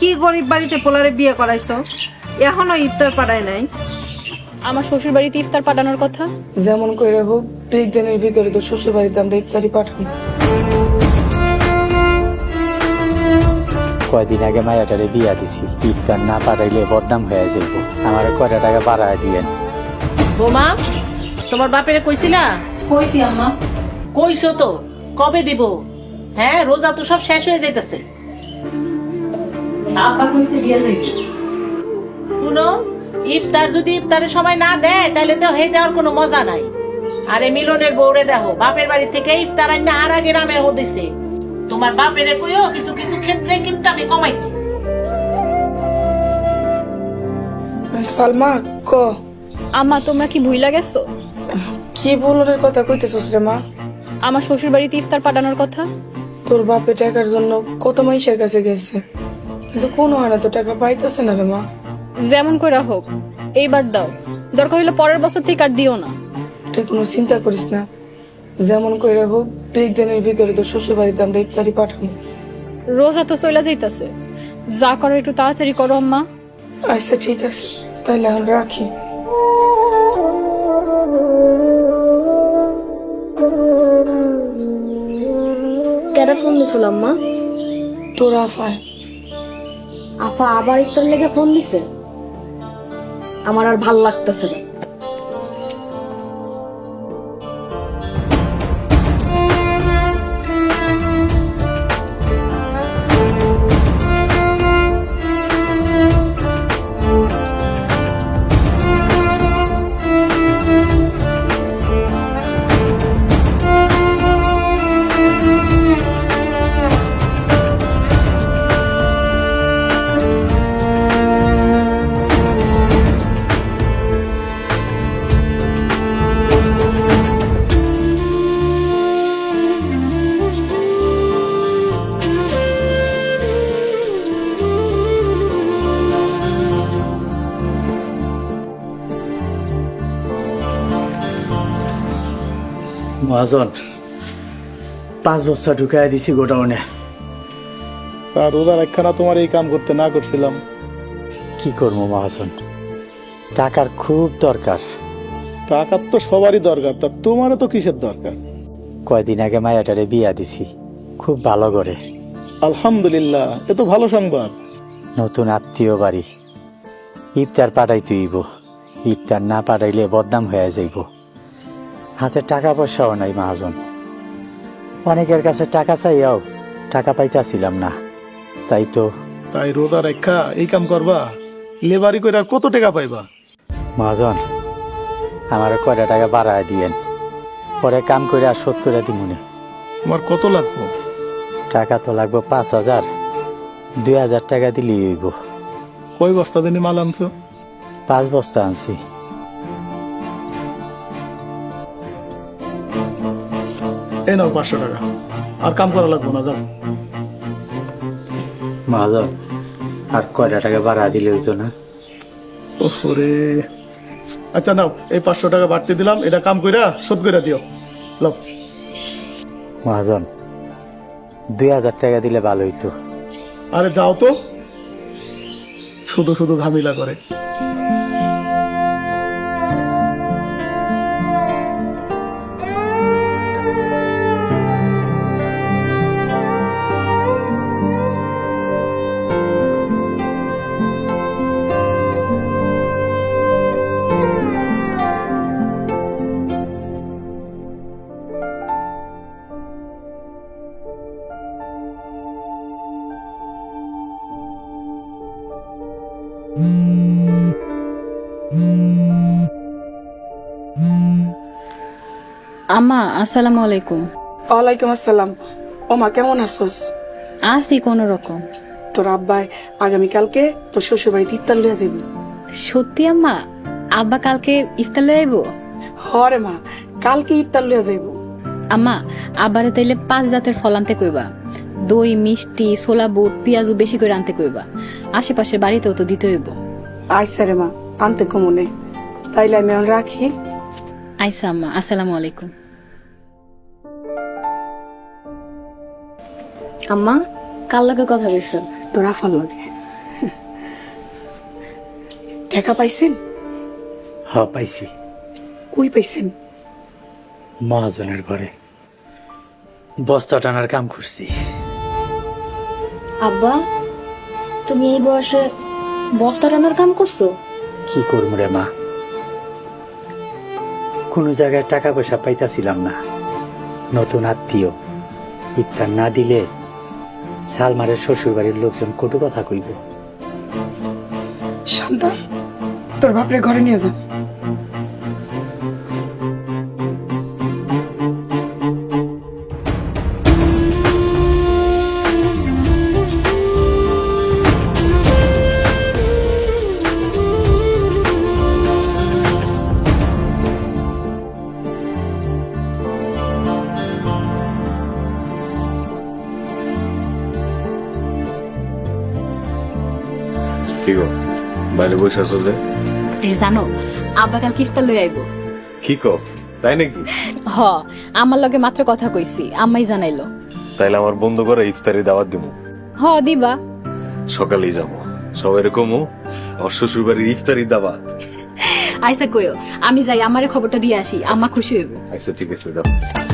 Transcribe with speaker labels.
Speaker 1: কি গরিব বাড়িতে পোলারে বিয়ে করাইছো, এখনো ইফতার পাড়ায় নাই?
Speaker 2: আমার শ্বশুর বাড়িতে ইফতার পাঠানোর কথা।
Speaker 3: যেমন করে হোক 2 দিনের ভিতরে তো শ্বশুর বাড়িতে আমরা ইফতারি পাঠাবো।
Speaker 4: কয়দিন আগে মায়াটারে বিয়া দিছি, ইফতার না পাঠাইলে বদনাম হয়ে যাইব। আমার কয়টা টাকা বাড়ায় দিয়েন।
Speaker 5: বোমা, তোমার বাপেরে কইছিলা?
Speaker 2: কইছি আম্মা।
Speaker 5: কইছো তো, কবে দিব? হ্যাঁ, রোজা তো সব শেষ হয়ে যাইতেছে।
Speaker 2: আব্বা কইছে দিয়া যাইবে।
Speaker 5: শুনো, ইফতার যদি ইফতারের সময় না দেয় তাহলে তো হয়ে যাওয়ার কোনো মজা নাই। আরে মিলনের বউরে দেখো, বাপের বাড়ি থেকে ইফতার আইনা আর আগে নামে দিছে। তোমার বাপেরে কইও কিছু কিছু ক্ষেত্রে কিন্তু আমি কমাইছি।
Speaker 3: সালমা ক
Speaker 2: আম্মা, তোমরা কি ভুইলা গেছো?
Speaker 3: কি বলনের কথা কইতেছস রে মা?
Speaker 2: আমার শ্বশুর বাড়িতে ইফতার পাঠানোর কথা।
Speaker 3: তোর বাপে টাকার জন্য কত মাইশের কাছে গেছে, কিন্তু কোনো হারে তো টাকা পাইতেছে না রে মা।
Speaker 2: যেমন করে হোক এইবার দাও, দরকার হইলে পরের বছর থেকে আর দিও না।
Speaker 3: তুই কোনো চিন্তা করিস না, যেমন করে হোক 2 দিনের ভিতরে তো শ্বশুর বাড়িতে আমরা ইফতারি পাঠাবো।
Speaker 2: রোজা তো চইলা যাইতাছে, যা করো একটু তাড়াতাড়ি করো আম্মা।
Speaker 3: আচ্ছা ঠিক আছে, তাহলে এখন রাখি।
Speaker 6: কেডা ফোন দিছিল আম্মা?
Speaker 3: তোর আফায়।
Speaker 6: আপা আবার ইফতার লেগে ফোন দিছে? আমার আর ভাল লাগতেছে না।
Speaker 4: মহাজন, 5 বস্তা ঢুকাই দিছি গোডাউনে।
Speaker 7: তার রোজার একখানা তোমার এই কাম করতে না করছিলাম।
Speaker 4: কি করবো মহাজন, টাকার খুব দরকার।
Speaker 7: টাকার তো সবারই দরকার, তা তোমারও তো কিসের দরকার?
Speaker 4: কয়দিন আগে মায়াটারে বিয়া দিছি, খুব ভালো করে।
Speaker 7: আলহামদুলিল্লাহ, এ তো ভালো সংবাদ।
Speaker 4: নতুন আত্মীয় বাড়ি, ইফতার পাঠাই তুইব। ইফতার না পাঠাইলে বদনাম হয়ে যাইব। হাতে টাকা পয়সাও নাই মহাজন, অনেকের কাছে টাকা চাইয়াও টাকা পাইতাছিলাম না। তাই তো
Speaker 7: তাই রোজার একটা এই কাম করবা, লেবারি করে আর কত টাকা পাইবা?
Speaker 4: মহাজন, আমার কয়টা টাকা বাড়ায় দিয়েন, পরে কাম করে আর শোধ করে দিমুনে।
Speaker 7: তোমার কত লাগবে?
Speaker 4: টাকা তো লাগবে 5,000, 2,000 টাকা দিলেই হইব।
Speaker 7: কয় বস্তা দিনে মাল আনছো?
Speaker 4: 5 বস্তা আনছি।
Speaker 7: এই নাও 500 টাকা, আর কাম করা লাগবো না, যাও।
Speaker 4: মহাজন, আর কয়টা টাকা বাড়া দিলে হইতো না?
Speaker 7: ওরে, আচ্ছা নাও, এই 500 টাকা বাড়তে দিলাম, এটা কাম কইরা শোধ কইরা দিও। লও।
Speaker 4: মহাজন, 2,000 টাকা দিলে ভালো হইতো।
Speaker 7: আরে যাও তো, শুধু শুধু ঝামেলা করে।
Speaker 2: আম্মা, আসসালামু আলাইকুম।
Speaker 3: ওয়ালাইকুম আসসালাম। ও মা, কেমন আছোস?
Speaker 2: আসি কোন রকম।
Speaker 3: তোর আব্বাই আগামীকালকে তোর শ্বশুর বাড়িতে ইফতার লইয়া যাইব।
Speaker 2: সত্যি আম্মা? আব্বা কালকে ইফতার লয়ে আইবো?
Speaker 3: হরে মা, কালকে ইফতার লইয়া যাইব।
Speaker 2: আম্মা, আব্বারে তাইলে 5 জাতের ফল আনতে কইবা। দই, মিষ্টি, ছোলা বুট, পেঁয়াজু বেশি করে আনতে কইবা। আশেপাশের বাড়িতেও তো দিতে হইব।
Speaker 3: আইসা রে মা, আনতে কমনে। তাইলে আমি এখন রাখি।
Speaker 2: আইসা আম্মা, আসসালামু আলাইকুম।
Speaker 6: আম্মা, কার লগে কথা কইছেন?
Speaker 3: তোর আফার লগে। টাকা পাইছেন?
Speaker 4: পাইছি,
Speaker 3: কই পাইছেন?
Speaker 4: মহাজনের ঘরে বস্তা টানার কাম করছি।
Speaker 6: আব্বা, তুমি এই বয়সে বস্তা টানার কাম করছো?
Speaker 4: কি করবো রে মা, কোনো জায়গায় টাকা পয়সা পাইতাছিলাম না। নতুন আত্মীয়, ইফতার না দিলে সালমারের শ্বশুর বাড়ির লোকজন কটু কথা কইব।
Speaker 3: শান্তা, তোর বাপরে ঘরে নিয়ে যা।
Speaker 8: কি গো বাইরে বসে আছো যে?
Speaker 2: জানো আব্বা কাল ইফতার লই আইব।
Speaker 8: কি কো, তাই নাকি?
Speaker 2: হ, আমার লগে মাত্র কথা কইছি, আম্মাই জানাইলো।
Speaker 8: তাইলে আমার বন্ধু করে ইফতারি দাওয়াত দিব।
Speaker 2: হ দিবা।
Speaker 8: সকালেই যাবো, সবাই এরকমও আমার শ্বশুর বাড়ির ইফতারি দাওয়াত।
Speaker 2: আইসা কইও, আমি যাই আমারে খবরটা দিয়ে আসি, আম্মা খুশি হইব।
Speaker 8: আচ্ছা ঠিক আছে, যাও।